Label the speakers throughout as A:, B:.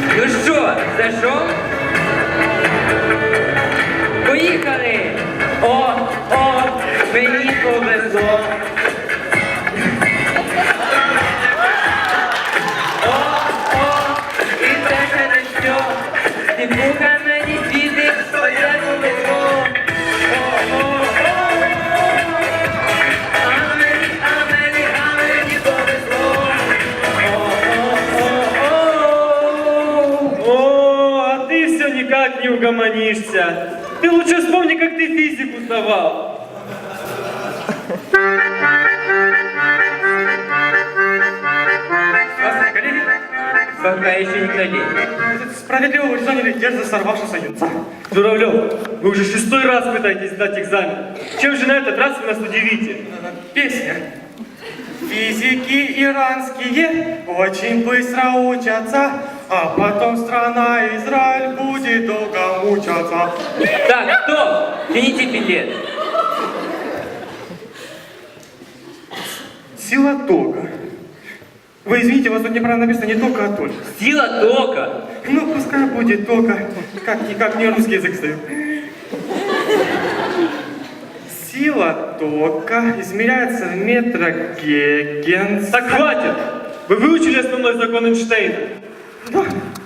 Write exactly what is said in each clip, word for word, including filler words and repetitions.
A: Ну що, зайшов? Поїхали! О, о, мені повезло! О, о, і це ще не що! Типуха мені світить, оце повезло! О, о, о, а мені, а мені, а мені повезло!
B: О, а ты все никак не угомонишься. Ты лучше вспомни, как ты физику сдавал.
C: Здравствуйте, коллеги.
A: Пока еще не колени.
C: Справедливо вы заняли дерзко сорвавшегося юнца.
B: Журавлев, вы уже шестой раз пытаетесь сдать экзамен. Чем же на этот раз вы нас удивите?
C: Песня. Физики иранские очень быстро учатся, а потом страна Израиль будет долго мучаться.
A: Так, стоп! Тяните билет.
C: Сила тока. Вы извините, у вас тут неправильно написано не тока, а только.
A: Сила тока.
C: Ну, пускай будет тока. Как-никак не русский язык стою. Сила тока измеряется в метрогегенс.
B: Так хватит! Вы выучили основной закон Эйнштейна?
C: Да.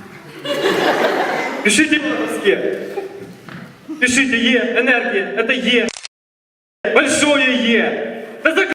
B: Пишите на доске. Пишите Е, энергия, это Е. Большое Е. Да